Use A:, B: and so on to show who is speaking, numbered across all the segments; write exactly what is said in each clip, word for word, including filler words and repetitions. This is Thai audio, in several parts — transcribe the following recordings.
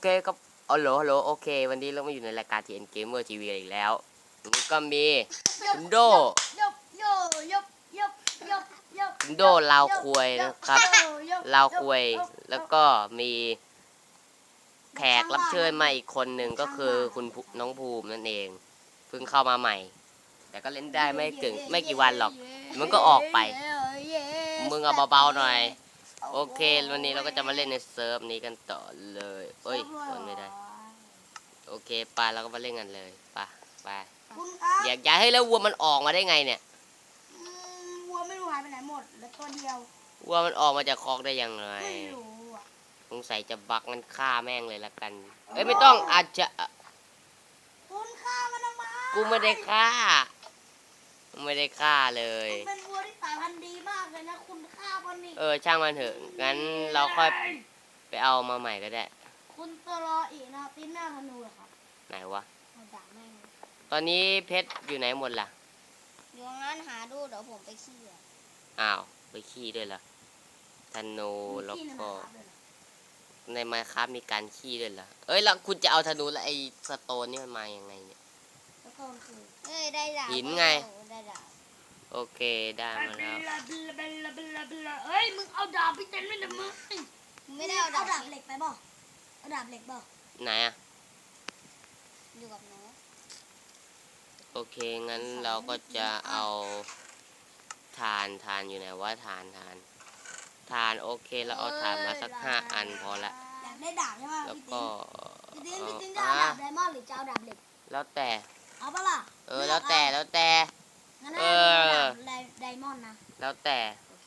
A: เคครับอ๋อโหลฮัลโหลโอเควันนี้เรามาอยู่ในรายการ ที เอ็น Gamer ที วี อีกแล้วนี่ก็มีคุณโดคุณโดลาวควยนะครับลาวควยแล้วก็มีแขกรับเชิญมาอีกคนหนึ่งก็คือคุณน้องภูมินั่นเองเพิ่งเข้ามาใหม่แต่ก็เล่นได้ไม่เก่งไม่กี่วันหรอกมันก็ออกไปมึงเอาเบาๆหน่อยโอเควันนี้เราก็จะมาเล่นในเซิร์ฟนี้กันต่อเลยเอ้ยคนไม่ได้โอเคไปเราก็มาเล่นกันเลยไปไปอยากย้ายให้แล้ววัวมันออกมาได้ไงเนี่ย
B: วัวไม่รู้หายไปไหนหมดแล้วตัวเดียว
A: วัวมันออกมาจากคอกได้ยังไง
B: ไม่รู้อ่ะ
A: สงสัยจะบักมันฆ่าแม่งเลยละกันเอ้ยไม่ต้องอาจจะ
B: คุณฆ่ามันทำไม
A: กูไม่ได้ฆ่าไม่ได้ฆ่าเลย
B: มันเป็นวัวที่สายพันธุ์ดีมากเลยนะคุณฆ่ามันนี่
A: เออช่างมันเถอะงั้นเราค่อยไปเอามาใหม่ก็ได้
B: คุณตัวรออีกนะตีนหน้าธนูเหรอครับ
A: ไหนวะ
B: เอาด่าแม่ง
A: ตอนนี้เพชรอยู่ไหนหมดล่ะ
B: อยู่งั้นหาดูเดี๋ยวผมไปขี้อ่ะ
A: อ้าวไปขี้ด้วยล่ะธนูแล้วก็ในไมค์ครับมีการขี้ด้วยเหรอเอ้ยแล้วคุณจะเอาธนูแล้วไอ้สโตนนี่มันมาอย่างไงเนี่ย
B: สโตนคือเอ้ยได้ดาบ
A: หินไง
B: ได้ดาบ
A: โอเคได้มาแล้ว
B: เอ้ยมึงเอาดาบไปเต็มเลยนะมึงไม่ได้เอาดาบเหล็กไปบ่เอาดาบเหล็กบ่
A: ไหนอะ
B: อยู่กับน้อง
A: โอเคงั้นเราก็จะเอาทานทานอยู่ไหนว่าทานทานทานโอเคเราเอาทานมาสักห้าอันพอละ
B: อยากได้ดาบใช่ไหม
A: แล้วก็
B: พี่ติ๊นพี่ติ๊นจะเอาดาบไดมอนด์หรือจะเอาดาบเหล็ก
A: แล้วแต่
B: เอาปะล่ะ
A: เออแล้วแต่แล้วแต่
B: เออไดมอนด์นะ
A: แล้วแต่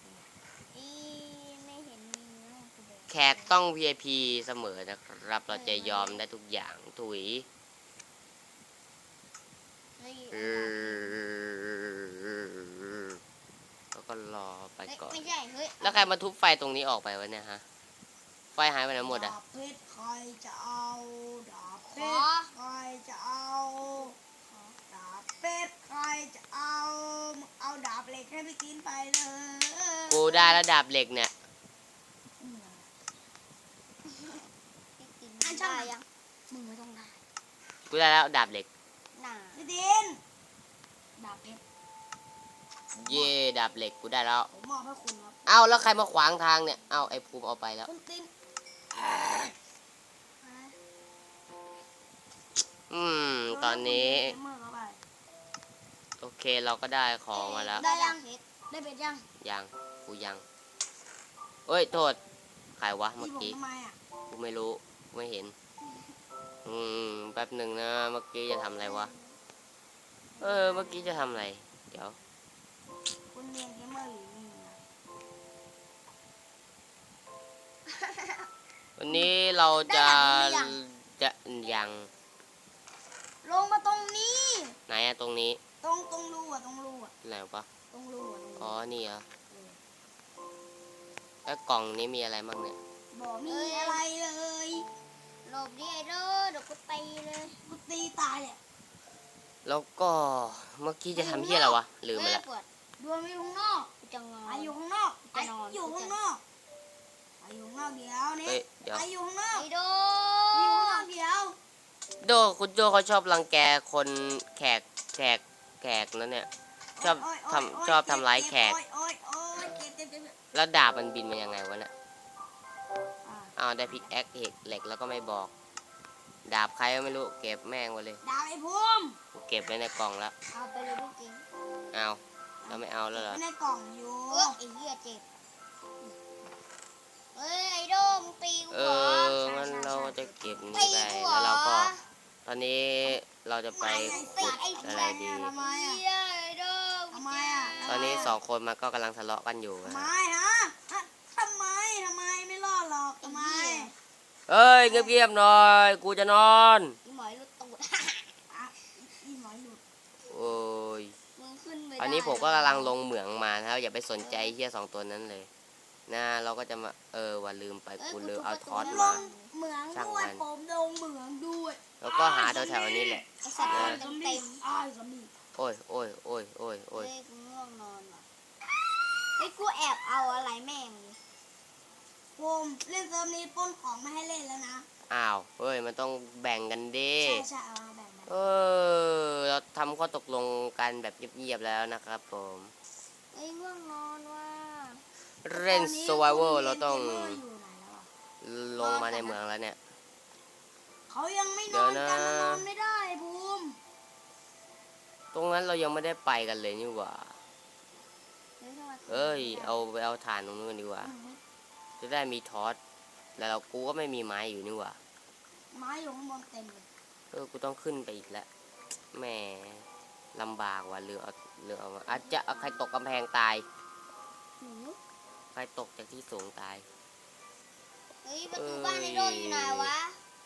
B: ไม่เห็นมี
A: แขกต้อง วี ไอ พี เสมอนะครับเราจะยอมได้ทุกอย่างถุยแล้วก็รอไปก่อนแล้วใครมาทุบไฟตรงนี้ออกไปวะเนี่ยฮะไฟหายไปไหนหมดอะ
B: ดาบเพชรใครจะเอาดาบเพชรใครจะเอาดาบเพชรใครจะเอาเอาดาบเหล็กให้พี่กินไปเลย
A: กูได้แล้วดาบเหล็กเนี่ย
B: อันช่างยังมึงไม่ต้องได้
A: กูได้แล้วดาบเหล็ก
B: พี่ดินดาบเพชร
A: เย่ดาบเหล็กกูได้แล้ว
B: ผมมอบให้คุณครับ
A: เอ้าแล้วใครมาขวางทางเนี่ยเอ้าไอ้ภูมิเอาไปแล้ว
B: คุณติน
A: อืมตอนนี้โอเคเราก็ได้ของมาแล้ว
B: ได้ยังได้เพชรยัง
A: ยังกูยังเอ้ยโทษใครวะเมื่อกี้กูไม่รู้ไม่เห็นอืมแป๊บหนึ่งนะเมื่อกี้จะทำอะไรวะเออเมื่อกี้จะทำอะไรเดี๋ยว
B: คุณเรียนเกมเมอร์อยู่นี่
A: วันนี้เราจะจะยัง
B: ลงมาตรงนี้
A: ไหนอะตรงนี้
B: ตรงตรงรูอะตรงรูอะ
A: ไหนปะ
B: ตรงรูอะ
A: อ๋อนี่เหรอแล้วกล่องนี้มีอะไรบ้างเนี่ย
B: บอกมีอะไรเลยหลบดิไอ้เด้อเดี๋ยวกูตีเลยกูตีตายเลย
A: แล้วก็เมื่อกี้จะทำเหี้ยอะไรวะลืมไปละ
B: ดวงอยู่ข้างนอกจะงอไออยู่ข้างนอกไออยู่ข้างนอกไออยู่ข้างนอกเดี๋ยวนี่ไออยู่ข้างนอกไอโดอยู่ข้างนอกเดี๋ยว
A: โดคุณโดเขาชอบรังแกคนแขกแขกแขกนั่นเนี่ยชอบทำชอบทำร้ายแขกแล้วดาบมันบินมายังไงวะเนี่ยอ้าวได้พิกแอคเหล็กแล้วก็ไม่บอกดาบใครก็ไม่รู้เก็บแม่งไว้เลย
B: ดาบไอ้ภูมิ
A: กูเก็บไว้ในกล่องแล้ว
B: เอาไปเลยพี่กิ๊ง
A: เอาเราไม่เอาแล้วเหรอ
B: ในกล่องอยู่เออไอ้เหี้ยเจ็บเฮ้ยไอ้โดมตีกู
A: เอองั้นเราจะเก็บนี้ไปแล้วเราก็ตอนนี้เราจะไปขุดอะไรดีตอนนี้สองคนมันก็กำลังทะเลาะกันอยู่
B: ทำไมฮะทำไมทำไมไม่รอดหรอกทำไม
A: เอ้ยเงียบๆหน่อยกูจะนอน
B: อีหมอยหลุดตูดอีหมอยหลุด
A: โอ้ยอันนี้ผมก็กำลังลงเหมืองมานะครับอย่าไปสนใจเหี้ยสองตัวนั้นเลยนะเราก็จะมาเออว่าลืมไปกูลืมเอาทอสมา
B: เหมืองด้วยผมลงเหมืองด้วย
A: แล้วก็หาแถวๆนี้แหละโอ้ยโอ้ยโอ้ยโอ้ยโอ้ย
B: กูง่วงนอนว่ะไอ้กูแอบเอาอะไรแม่งผมเล่นเซิร์ฟนี้ป้นของไม่ให้เล่นแล้วนะ
A: อ้าวเฮ้ยกันแบบเงียบๆแล้วนะครับผม
C: ไอ้ง่วงนอนว่า
A: เล่น survival เราต้อง
B: ตนนี้คุณเกมเมอร์อยู่ไหนแล้วอะ
A: ลงมาในเมืองแล้วเนี่ย
B: เขายังไม่
A: เดี๋
B: น
A: ย
B: อ
A: วน นะ
B: กันมันนอนไม่ได้บูม
A: ตรงนั้นเรายังไม่ได้ไปกันเลยนี่หว่า
C: เดี๋ยวจะมา
A: เอ้ย เอาไปเอาถ่านตรงนู้นดีกว่า จะได้มีทอสแล้วเรากูก็ไม่มีไม้อยู่นี่หว่า
B: ไม้อยู่ข้างบนเต็มเลย
A: เออ กูต้องขึ้นไปอีกแล้วแหมลำบากว่ะเรือเอาเรือเอามาอาจจะเอาใครตกกำแพงตาย
C: หนู
A: ใครตกจากที่สูงตาย
C: เฮ้ยประตูบ้านในโดนอยู่ไหนวะ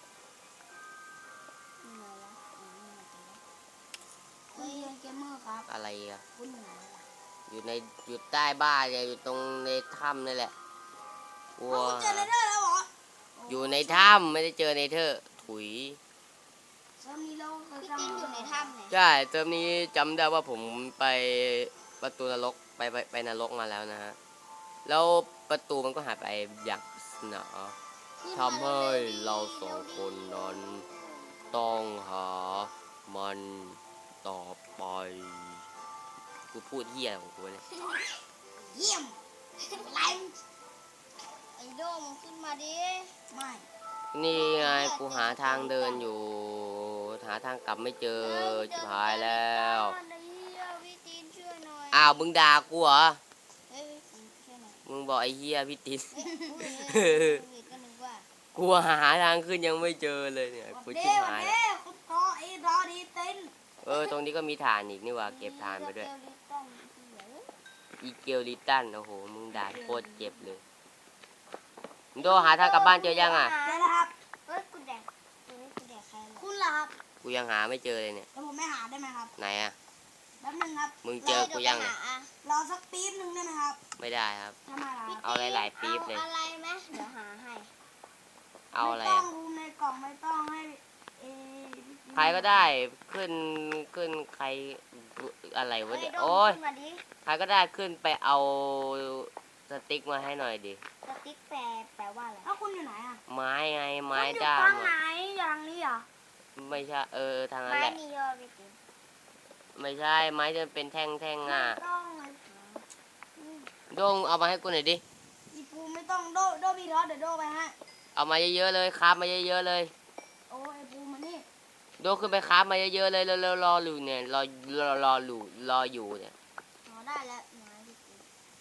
C: อยู่ไหนวะอ๋อนี่ไงเจอแล้ว
B: คุณเรียนเกมเมอร์ครับ
A: อะไรอ่ะ
B: คุณอยู่ไหนล่ะ
A: อยู่ในอยู่ใต้บ้านเนี่ยอยู่ตรงในถ้ำนี่แหละกลัว
B: เอาคุณเจอเนเธอร์แล้วเหรอ
A: อยู่ในถ้ำไม่ได้เจอในเธอถุย
B: เซิร์ฟนี้เราเคย
C: พี่
B: ทำ
C: ติ้งอยู่ในถ้ำเนี่ย
A: ใช่เทอมนี้จำได้ว่าผมไปประตูนรกไปไปไปนรกมาแล้วนะฮะ แล้วประตูมันก็หายไปอย่างหนาทำให้เราสองคนนั้นต้องหามันต่อไปกูพูดเหี้ยของกูเลย
B: เยี่ยมแรง
C: ไอ้โดมมึงขึ้นมาดิ
B: ไม่
A: นี่ไงกูหาทางเดินอยู่ หาทางกลับไม่เจอจิบหายแล้ว
C: ไอ้เหี้ยพี่ตีนช่วยหน่อย
A: อ้าวมึงด่ากูเหรอ
C: เฮ้ยพี่ตีนช่วยหน่อย
A: มึงบอกไอ้เหี้ยพี่ติน
C: เฮ้ยอุ้ยเฮ้ยก็นึกว่า
A: กูหาทางขึ้นยังไม่เจอเลยเนี่ย
B: วัน
A: กู
B: เด้
A: ชิบ
B: วัน
A: หาย
B: เด้คุณต่อไอ้รอดีเต้น
A: เออตรงนี้ก็มีฐานอีกนี่หว่าเก็บฐานไปด้วย
C: เกลลิตันเหี้ย
A: อีเกลลิตันโอ้โหมึงด่าโคตรเจ็บเลยมึงโดหาทางกลับบ้านเจอยังอ่ะ
B: เจอแล้วครับ
C: เฮ้ยกูแดกเฮ้ยกูแดกใครเหรอ
B: คุณล่ะครับ
A: กูยังหาไม่เจอเลยเนี่ย
B: แล้วผมไม่หาได้ไหมครับ
A: ไหนอ่ะ
B: แป๊บนึงครับ
A: มึงเจอกูยัง
C: เล
A: เนี่ย
C: ดี๋วไปหาอะ
B: รอสักปี๊บหนึ่งได้ไหมครับ
A: ไม่ได้ครับ
B: ทำไมล่ะครับ
A: เอาหลายๆปี๊บเลย
C: เอาอะไรไหมเดี๋ยวหาให้
A: เอาอะไร
B: ไม่ต้อ
A: อ่ะ
B: งรูมในกล่องไม่ต้องให้เอ
A: ใครก็ได้ขึ้นขึ้นใครอะไรวะ
C: เฮ้ย
A: เดี๋ยว
C: โดม
A: โอ้ย
C: ขึ้นมาดิ
A: ใครก็ได้ขึ้นไปเอาสติ๊กมาให้หน่อยดิ
C: สติ๊กแปลแปลว่าอะไร
B: แล้วคุณอยู่ไหนอ่ะ
A: ไม้ไงไม้
B: คุณอยู่
A: ด้าม
B: ทางไหน
A: อะ
B: อย่างนี้เหรอ
A: ไม่ใช่เออทางนั้น
C: ไม้
A: แหละ
C: นิยอพี่ติ๋ม
A: ไม่ใช่ไม้จะเป็นแท่งแท่งๆอ่ะ
B: ไม่ต้องเลย
A: โดงเอามาให้กูหน่อยดิ
B: อีปูไม่ต้องโดโดบีทอสเดี๋ยวโดไปให้
A: เอามาเยอะๆเลยครับมาเยอะๆเลย
B: โอ้ไอปูมานี่
A: โดขึ้นไปครับมาเยอะๆเลยเร็วๆรออยู่เนี่ยรอรอรออยู่รออยู่เนี่ย
C: อ๋อได้แล้วไม้พี่ติ๋ม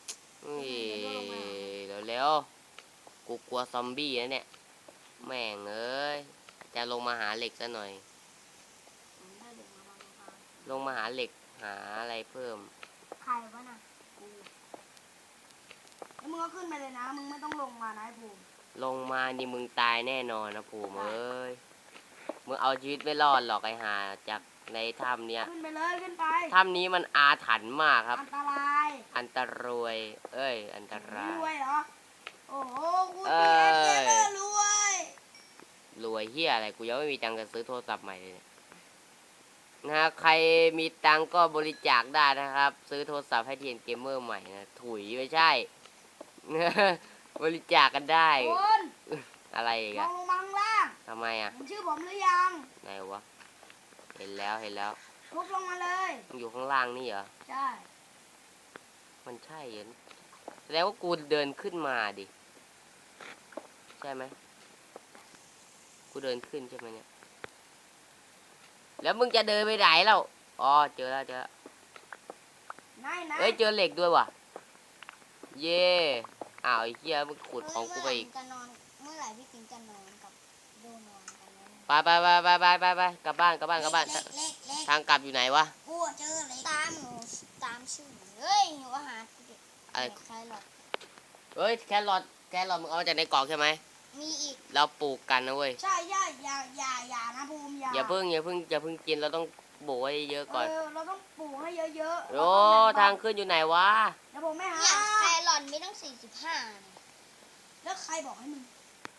A: นี่เร็วๆกูกลัวซอมบี้นะเนี่ยแม่งเอ้ยจะลงมาหาเหล็กซะหน่อย
B: ผมได้เด็กมาบางทาง
A: ลงมาหาเหล็กหาอะไรเพิ่ม
B: ใครวะน่ะปูแล้วมึงก็ขึ้นไปเลยนะ มึงไม่ต้องลงมานะไอปู
A: ลงมานี่มึงตายแน่นอนนะภูมิเอ้ยมึงเอาชีวิตไม่รอดหรอกไอ้ห่าจากในถ้ำเนี้ย
B: ขึ้นไปเลยขึ้นไป
A: ถ้ำนี้มันอาถรรพ์มากครับ
B: อันตราย
A: อันตรวย เอ้ย อันตราย
B: รวยเหรอ โอ้โหคุณ
A: เอ้
B: เพีย
A: ย
B: เกมเมอร์รวย
A: รวยเฮียอะไรกูยังไม่มีตังค์จะซื้อโทรศัพท์ใหม่เลยเนี่ยนะฮะใครมีตังค์ก็บริจาคได้นะครับ ซื้อโทรศัพท์ให้เทียนเกมเมอร์ใหม่นะถุยไม่ใช่ บริจาคกันได้
B: คุณ
A: อะไรอีก
B: มอ
A: อะ
B: งลงมาข้างล่าง
A: ทำไมอะ
B: เห็นชื่อผมหรือยัง
A: ไหนวะเห็นแล้วเห็นแล้ว
B: ทุบลงมาเลย
A: มันอยู่ข้างล่างนี่เหรอ
B: ใช่
A: มันใช่เหรอแสดงว่ากูเดินขึ้นมาดิใช่ไหมกูเดินขึ้นใช่ไหมเนี่ยแล้วมึงจะเดินไปไหนแล้วอ๋อเจอแล้วเจอแล้ว
B: นายนาย
A: เอ้ยเจอเหล็กด้วยว่ะเย่อ้าวไอ้เหี้ยมึงขุดของกูไปอีก
C: เมื่อไหร่มึงจะนอนเมื่อไหร่พี่ติ๋มจะนอนกับโดนอนกันแล้วเนี่ย
A: ไปไปไปไปไปไปไปกลับบ้านกลับบ้านกลับบ้าน
C: เล็กเล็กเล็ก
A: ทางกลับอยู่ไหนวะ
B: กูเจอเลย
C: ตามหนูตามชื่อหนูเฮ้ยหนูว่าหาเด็ก
A: อะไร
C: ใครหรอก
A: เอ้ยแครอทแครอทมึงเอามาจากในกล่องใช่ไหม
C: มีอีก
A: เราปลูกกันนะเว้ย
B: ใช่ใช่อย่าอย่าอย่านะภูมิอย่า
A: อย่าเพิ่งอย่าเพิ่งอย่าเพิ่งกินเราต้องโบกไว้เยอะก่อน
B: เออเราต้องปลูกให้เยอะๆ
A: โอ้ทางขึ้นอยู่ไหนวะ
B: เดี๋ยวผมไม่หา
C: เนี่ยแครอทมีตั้งสี่สิบห้าเนี่ย
B: แล้วใครบอกให้มึง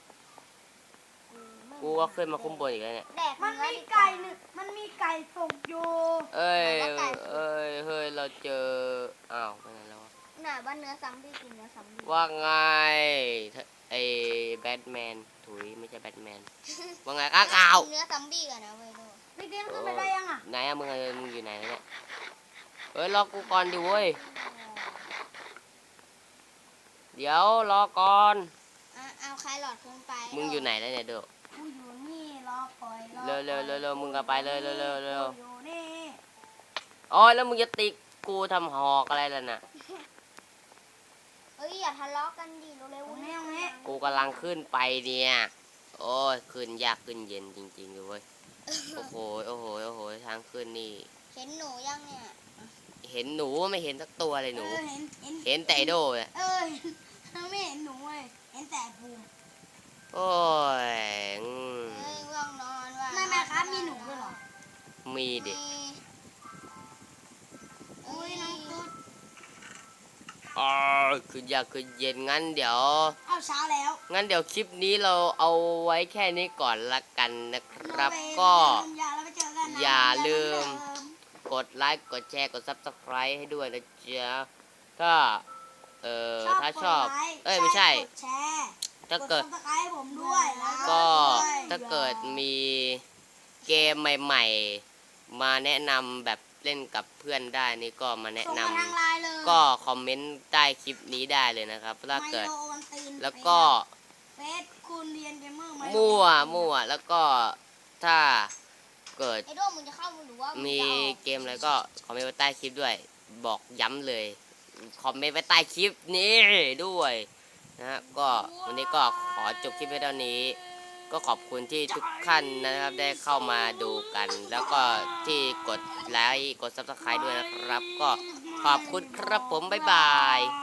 C: ไม่
A: กูก็ขึ้นมาคุ้มบนอีกแล้วเนี่ย
C: แดก
B: มัน
C: เนื้อ
B: มี
C: ดีว่า
B: ไก่หนึ่งมันมีไก่สุกอยู่
A: เอ้ยเอ้ยเฮ้ยเราเจออ้าวไปไหนแล้ววะ
C: น่ะว่าเนื้อซัมบี้กินเนื้อซัมบี้
A: ว่าไงไอ้แบทแมนถุยไม่ใช่แบทแมนว่าไงข้างข่าว
C: เนื้อซัมบี้กันนะเว้ยโด
B: พี่เตียนขึ้นไปได้ยังอ่ะ
A: ไหนอะมึงอะมึงอยู่ไหนเนี่ยเฮ้ยรอกูก่อนดิเว้ยเดี๋ยวรอก่อน
C: อ่ะเอาใครหลอดขึ้นไป
A: มึงอยู่ไหนแล้วเนี่ยโด
B: กูอยู่นี่รอคอยรอ
A: เร็วเร็วเร็วเร็วมึงก็ไปเลยเร็วเร็วเร็ว
B: กูอยู่นี่
A: โอ้ยแล้วมึงจะตีกูทำหอกอะไรล่ะน่ะ
C: เอ้ยอย่าทะเลาะกันดิเร็ว
B: ตรง
C: ๆ
B: นี้ตรงนี้
A: กูกำลังขึ้นไปเนี่ยโอ้ยขึ้นยากขึ้นเย็นจริงๆเลยเว้ยโอ้โหโอ้โหโอ้โหทางขึ้นนี่
C: เห็นหนูยังเนี่ย
A: เห็นหนูไม่เห็นสักตัวเลยหนู
B: เออเห็นเห็น
A: เห็นแต่ไอ้โดเนี่ย
B: เออเห็นไม่เห็นหนูเลยเห็นแต่ภูมิ
A: โอ้ยอืม
C: เอ้ยง่วงนอนว่ะ
B: ไม่ไม่ครับมีหนูด้วยเหรอ
A: มีดิ
B: อุ้ยน้องตุ๊ด
A: อ๋อขึ้นยากขึ้นเย็นงั้นเดี๋ยว
B: เอาเช้าแล้ว
A: งั้นเดี๋ยวคลิปนี้เราเอาไว้แค่นี้ก่อนละกันนะครับ
B: ไป
A: ก็
B: ไปยาแล้วไปเจอกันนะ
A: อย่าลืม
B: เหอนเดิม
A: กดไลค์กดแชร์กด ซับสไครบ์ ให้ด้วยนะจ๊ะถ้าเอ่อถ้าชอบ
B: กดไลค์
A: เอ้ยไม่ใช่
B: กดแชร์
A: ถ้าเกิด
B: กด Subscribe ให้ผมด้วยแล้ว
A: ก็
B: ด้วย
A: ถ้าเกิดมีเกมใหม่ๆ มาแนะนำแบบเล่นกับเพื่อนได้นี่ก็มาแนะ
B: ส่ง
A: น
B: มาทางไลน์เลย
A: ำก็คอมเมนต์ใต้คลิปนี้ได้เลยนะครับถ้าเกิด
B: ไมโลวันตีน
A: แล้วก็
B: เฟซคุณเรียนเกมเมอร์ไโล
A: มั่วมั่วแล้วก็ถ้าเกิด
C: ไอ้โดมมึงจะเข้ามึงหรือว่ามึง
A: มี
C: จะออก
A: เกมอะไรก็คอมเมนต์ไว้ใต้คลิปด้วย บอกย้ำเลย คอมเมนต์ไว้ใต้คลิปนี้ด้วยนะฮะก็วันนี้ก็ขอจบคลิปไว้เท่านี้ ก็ขอบคุณที่ทุกท่านนะครับได้เข้ามาดูกัน แล้วก็ที่กดไลค์กด ซับสไครบ์ ด้วยนะครับ ก็ขอบคุณครับผมบ๊ายบาย